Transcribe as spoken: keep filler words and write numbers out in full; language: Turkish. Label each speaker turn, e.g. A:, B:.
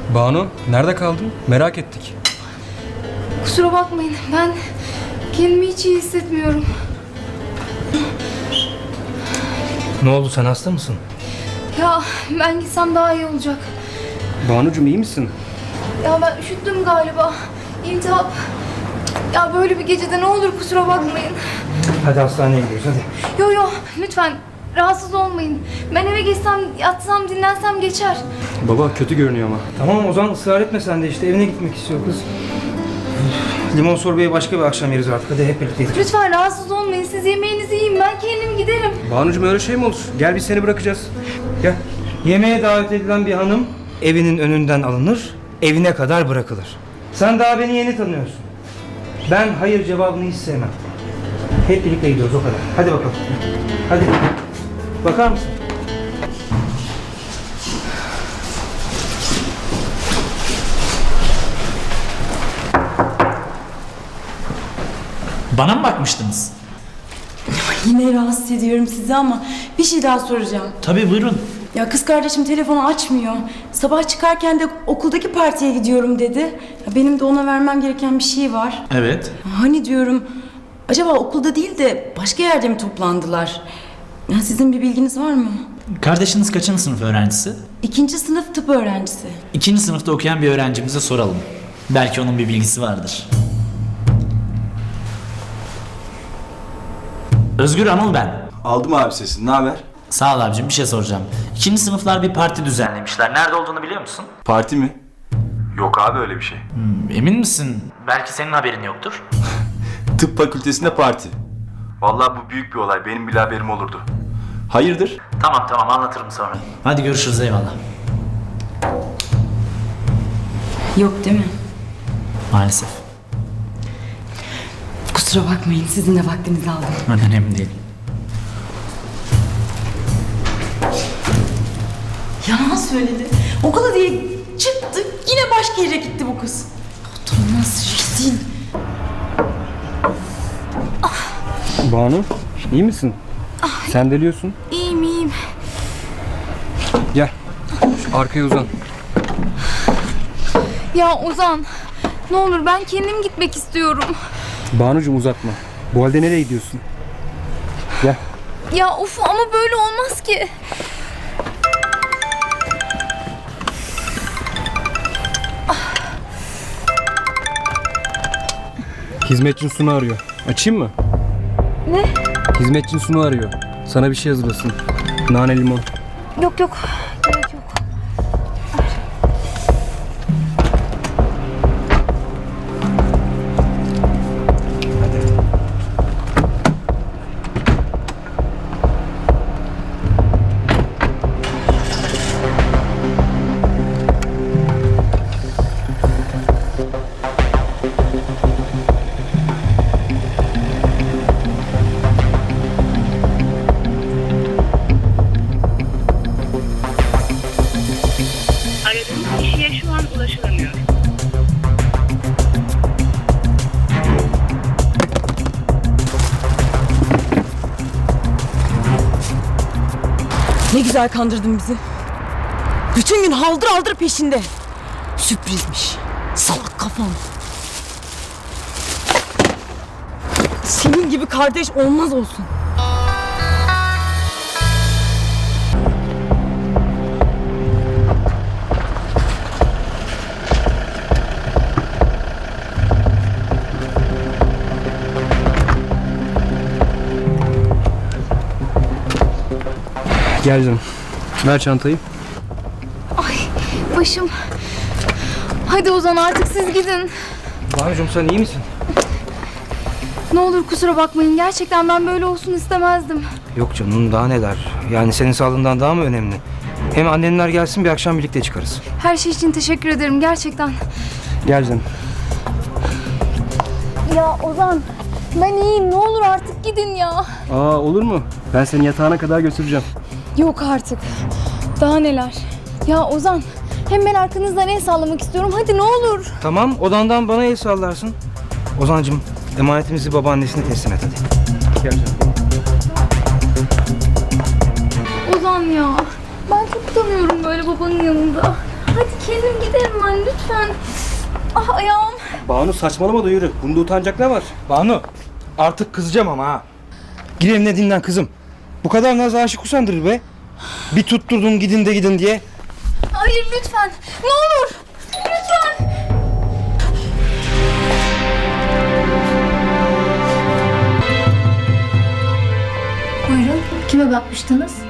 A: Banu, nerede kaldın? Merak ettik.
B: Kusura bakmayın, ben kendimi hiç iyi hissetmiyorum.
C: Ne oldu, sen hasta mısın?
B: Ya ben gitsem daha iyi olacak.
A: Banucuğum iyi misin?
B: Ya ben üşüttüm galiba. İltihap. Ya böyle bir gecede ne olur kusura bakmayın.
C: Hadi hastaneye gidiyoruz hadi.
B: Yo yo lütfen rahatsız olmayın. Ben eve geçsem, yatsam, dinlensem geçer.
A: Baba kötü görünüyor ama.
C: Tamam o zaman ısrar etme sen de, işte evine gitmek istiyor kız. Limon sorbeyi başka bir akşam yeriz artık, hadi hep birlikte gidelim.
B: Lütfen rahatsız olmayın. Siz yemeğinizi yiyin. Ben kendim giderim.
A: Banucuğum öyle şey mi olur? Gel biz seni bırakacağız.
C: Gel. Yemeğe davet edilen bir hanım evinin önünden alınır, evine kadar bırakılır. Sen daha beni yeni tanıyorsun. Ben hayır cevabını hiç sevmem. Hep birlikte gidiyoruz o kadar. Hadi bakalım. Hadi. Bakar mısın?
D: Bana mı bakmıştınız?
E: Yine rahatsız ediyorum sizi ama bir şey daha soracağım.
D: Tabii buyurun.
E: Ya kız kardeşim telefonu açmıyor. Sabah çıkarken de okuldaki partiye gidiyorum dedi. Ya benim de ona vermem gereken bir şey var.
D: Evet.
E: Hani diyorum acaba okulda değil de başka yerde mi toplandılar? Ya sizin bir bilginiz var mı?
D: Kardeşiniz kaçıncı sınıf öğrencisi?
E: İkinci sınıf tıp öğrencisi.
D: İkinci sınıfta okuyan bir öğrencimize soralım. Belki onun bir bilgisi vardır. Özgür Anıl ben.
F: Aldım abi sesini. Ne haber?
D: Sağ ol abicim, bir şey soracağım. İkinci sınıflar bir parti düzenlemişler. Nerede olduğunu biliyor musun?
F: Parti mi? Yok abi öyle bir şey.
D: Hmm, emin misin? Belki senin haberin yoktur.
F: Tıp fakültesinde parti. Vallahi bu büyük bir olay. Benim bile haberim olurdu. Hayırdır?
D: Tamam tamam, anlatırım sonra. Hadi görüşürüz, eyvallah.
E: Yok değil mi?
D: Maalesef.
E: Kusura bakmayın sizin de vaktinizi aldım.
D: Önemli değil.
E: Yalan söyledi. Okula diye çıktı yine başka yere gitti bu kız. Utanmaz rezil.
A: Banu, iyi misin? Sen deliyorsun.
B: İyiyim iyiyim.
A: Gel. Şu arkaya uzan.
B: Ya Ozan, ne olur ben kendim gitmek istiyorum.
A: Banucuğum uzatma. Bu halde nereye gidiyorsun? Gel.
B: Ya of ama böyle olmaz ki.
A: Hizmetçin Sunu arıyor. Açayım mı?
B: Ne?
A: Hizmetçin Sunu arıyor. Sana bir şey hazırlasın. Nane limon.
B: Yok yok. Gerek yok.
G: Aradığınız kişiye şu an ulaşılamıyor.
E: Ne güzel kandırdın bizi. Bütün gün haldır haldır peşinde. Sürprizmiş. Salak kafam. Senin gibi kardeş olmaz olsun.
A: Gel canım. Ver çantayı.
B: Ay başım. Hadi Ozan artık siz gidin.
C: Banucuğum sen iyi misin?
B: Ne olur kusura bakmayın. Gerçekten ben böyle olsun istemezdim.
C: Yok canım, daha neler. Yani senin sağlığından daha mı önemli? Hem annenler gelsin, bir akşam birlikte çıkarız.
B: Her şey için teşekkür ederim gerçekten.
A: Gel canım.
B: Ya Ozan ben iyiyim. Ne olur artık gidin ya.
A: Aa olur mu? Ben seni yatağına kadar götüreceğim.
B: Yok artık. Daha neler. Ya Ozan hem ben arkanızdan el sallamak istiyorum. Hadi ne olur.
C: Tamam, odandan bana el sallarsın. Ozancığım, emanetimizi babaannesine teslim et hadi.
A: Gel canım.
B: Ozan ya. Ben çok utanıyorum böyle babanın yanında. Hadi kendim giderim ben lütfen. Ah ayağım.
A: Banu saçmalama da yürü. Bunda utanacak ne var?
C: Banu, artık kızacağım ama ha. Gir evine dinlen kızım. Bu kadar naz aşık usandırır be. Bir tutturdun gidin de gidin diye.
B: Hayır lütfen. Ne olur. Lütfen.
H: Buyurun, kime bakmıştınız?